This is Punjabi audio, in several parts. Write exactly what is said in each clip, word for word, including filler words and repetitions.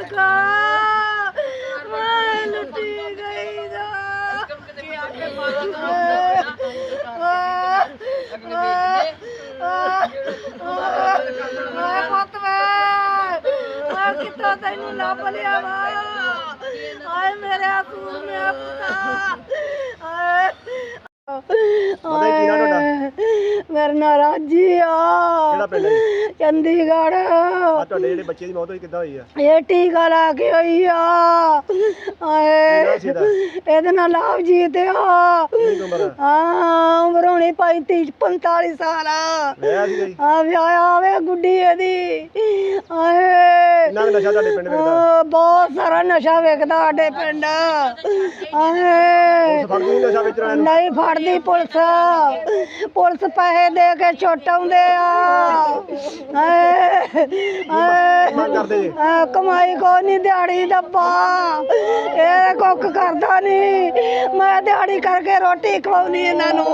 सदका मैं लुटी गई दा पुत मैं कितना तेनू लभ लिया वा आए मेरे असूल में मेरा नाम राजी आ चंडीगढ़ बच्चे की मौत हुई किद्दां हुई है? ये टीका ला के हुई आ एदे नाल लवजीत हाँ उम्र होनी पैंती पंताली साल हाँ ब्याह आवे गुड्डी एदी बहुत सारा नशा विकदा साडे पिंड नहीं फड़दी पुलिस पुलिस पैसे दे के छुट्टाउंदे आ कमाई को नहीं दिहाड़ी दब्बा ये कुक करदा नहीं मैं दिहाड़ी करके रोटी खवाउनी इन्हां नूं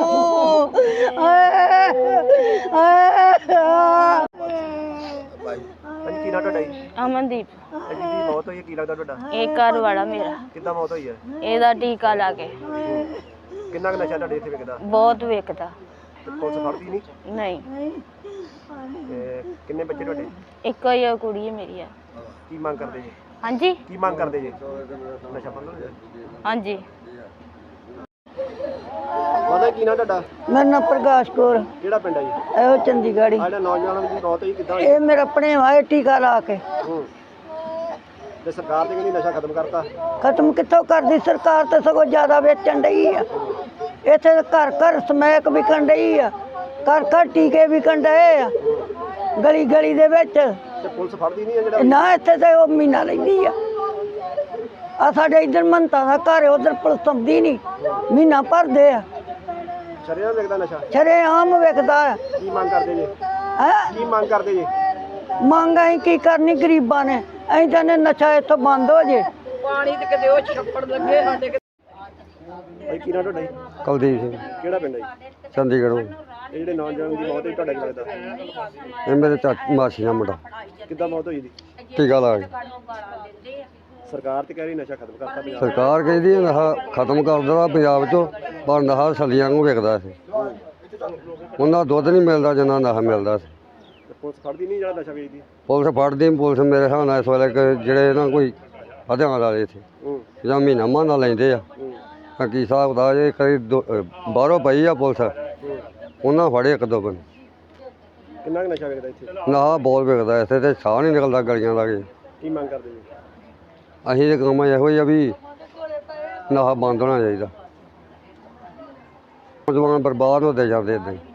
ਅਮਨਦੀਪ जी मौत हुई की लगदा ਤੁਹਾਡਾ? ਇਹ ਘਰ ਵਾਲਾ ਮੇਰਾ ਕਿੱਦਾਂ ਮੌਤ ਹੋਈ ਹੈ? ਇਹਦਾ ਟੀਕਾ ਲਾ ਕੇ ਕਿੰਨਾ ਕੁ ਨਸ਼ਾ ਤੁਹਾਡੇ ਇੱਥੇ ਵਿਕਦਾ? ਬਹੁਤ ਵਿਕਦਾ। ਤੇ ਪੁਲਿਸ ਫੜਦੀ ਨਹੀਂ? ਨਹੀਂ ਤੇ ਕਿੰਨੇ ਬੱਚੇ ਤੁਹਾਡੇ? ਇੱਕੋ ਹੀ ਆ ਕੁੜੀ ਹੈ ਮੇਰੀ ਆ। ਕੀ ਮੰਗ ਕਰਦੇ ਜੀ? ਹਾਂਜੀ ਕੀ ਮੰਗ ਕਰਦੇ ਜੀ? ਨਸ਼ਾ ਬੰਦ ਹੋ ਜਾਏ? ਹਾਂਜੀ ਪਤਾ ਕੀ ਨਾ ਤੁਹਾਡਾ? मेरा नाम प्रकाश कौर ਕਿਹੜਾ ਪਿੰਡ ਹੈ ਜੀ? ए चंडीगढ़ ਆ ਜਿਹੜਾ ਨੌਜਵਾਨ ਦੀ ਮੌਤ ਹੋਈ ਕਿੱਦਾਂ ਹੋਈ? ये मेरा अपने भाई टीका ला के ਹੂੰ ਤੇ ਸਰਕਾਰ ਤੇ ਕਹਿੰਦੀ ਨਸ਼ਾ ਖਤਮ ਕਰਤਾ। खत्म कितों कर दी सरकार तो सगों ज्यादा बेचन डई है इत्थे घर घर समैक विकन डई है घर घर टीके विकन डए आ गली गली दे विच ਤੇ ਪੁਲਿਸ ਫੜਦੀ ਨਹੀਂ ਹੈ ਜਿਹੜਾ? ना इत्थे ते ओ महीना लैंदी आ आ साडे इधर मनता दा घर उधर पुलिस आउंदी नहीं महीना भरदे आ ਸ਼ਰੇਆਮ ਵਿਕਦਾ ਨਸ਼ਾ? शरेआम विकदा है ਕੀ ਮੰਗ ਕਰਦੇ ਜੀ? हैं ਕੀ ਮੰਗ ਕਰਦੇ ਜੀ? ਮੰਗ ਅਸੀਂ ਕੀ ਕਰਨੀ ਗਰੀਬਾਂ ਨੇ ਅਸੀਂ ਕਹਿੰਦੇ ਨਸ਼ਾ ਇੱਥੋਂ ਬੰਦ ਹੋ ਜੇ ਪਾਣੀ ਤੇ ਕਿਤੇ ਉਹ ਛੱਪੜ ਲੱਗੇ ਸਾਡੇ ਭਾਈ ਕੀ ਨਾ ਤੁਹਾਡਾ ਜੀ? ਕੁਲਦੀਪ ਸਿੰਘ ਕਿਹੜਾ ਪਿੰਡ ਹੈ ਜੀ? ਚੰਡੀਗੜ੍ਹੋਂ। ਇਹ ਜਿਹੜੇ ਨੌਜਵਾਨ ਦੀ ਮੌਤ ਹੋਈ ਤੁਹਾਡਾ ਕੀ ਲੱਗਦਾ? ਇਹ ਮੇਰੇ ਚਾਚੀ ਮਾਸੀ ਦਾ ਮੁੰਡਾ ਕਿੱਦਾਂ ਮੌਤ ਹੋਈ ਦੀ? ਟੀਕਾ ਲਾ ਕੇ। ਸਰਕਾਰ ਤੇ ਕਹਿ ਰਹੀ ਨਸ਼ਾ ਖਤਮ ਕਰਤਾ ਪੰਜਾਬ ਸਰਕਾਰ ਕਹਿੰਦੀ ਹੈ ਨਸ਼ਾ ਖਤਮ ਕਰ ਦੇਣਾ ਪੰਜਾਬ 'ਚੋਂ ਪਰ ਨਸ਼ਾ ਸਲੀਆਂ ਨੂੰ ਵਿਕਦਾ ਸੀ ਉਹਨਾਂ ਦੁੱਧ ਨਹੀਂ ਮਿਲਦਾ ਜਿੰਨਾ ਨਸ਼ਾ ਮਿਲਦਾ ਸੀ। ਤੇ ਪੁਲਿਸ ਫੜਦੀ ਨਹੀਂ ਜਿਹੜਾ ਨਸ਼ਾ ਵੇਚਦੀ? ਪੁਲਿਸ ਫੜਦੀ ਨੀ, ਪੁਲਿਸ ਮੇਰੇ ਹਿਸਾਬ ਨਾਲ ਇਸ ਵੇਲੇ ਕਿ ਜਿਹੜੇ ਨਾ ਕੋਈ ਹਥਿਆਰ ਵਾਲੇ ਇੱਥੇ ਹੂੰ ਜਾਂ ਮਹੀਨਾ ਮਹੀਨਾ ਲੈਂਦੇ ਆ ਹੂੰ ਕੀ ਹਿਸਾਬ ਦਾ ਜੇ ਕਈ ਦੋ- ਬਾਹਰੋਂ ਪਈ ਆ ਪੁਲਿਸ ਉਹਨਾਂ ਫੜੇ ਇੱਕ ਦੋ ਬੰਦੇ। ਕਿੰਨਾ ਕੁ ਨਸ਼ਾ ਵੇਚਦਾ ਇੱਥੇ? ਨਸ਼ਾ ਬਹੁਤ ਵਿਕਦਾ ਇੱਥੇ ਤੇ ਸਾਹ ਨਹੀਂ ਨਿਕਲਦਾ ਗਲੀਆਂ ਦਾ ਕੇ। ਕੀ ਮੰਗ ਕਰਦੇ ਜੀ? ਅਸੀਂ ਇਹ ਕੰਮ ਇਹੋ ਹੀ ਆ ਵੀ ਨਸ਼ਾ ਬੰਦ ਹੋਣਾ ਚਾਹੀਦਾ। ਨੌਜਵਾਨ ਬਰਬਾਦ ਹੁੰਦੇ ਜਾਂਦੇ ਇੱਦਾਂ ਹੀ।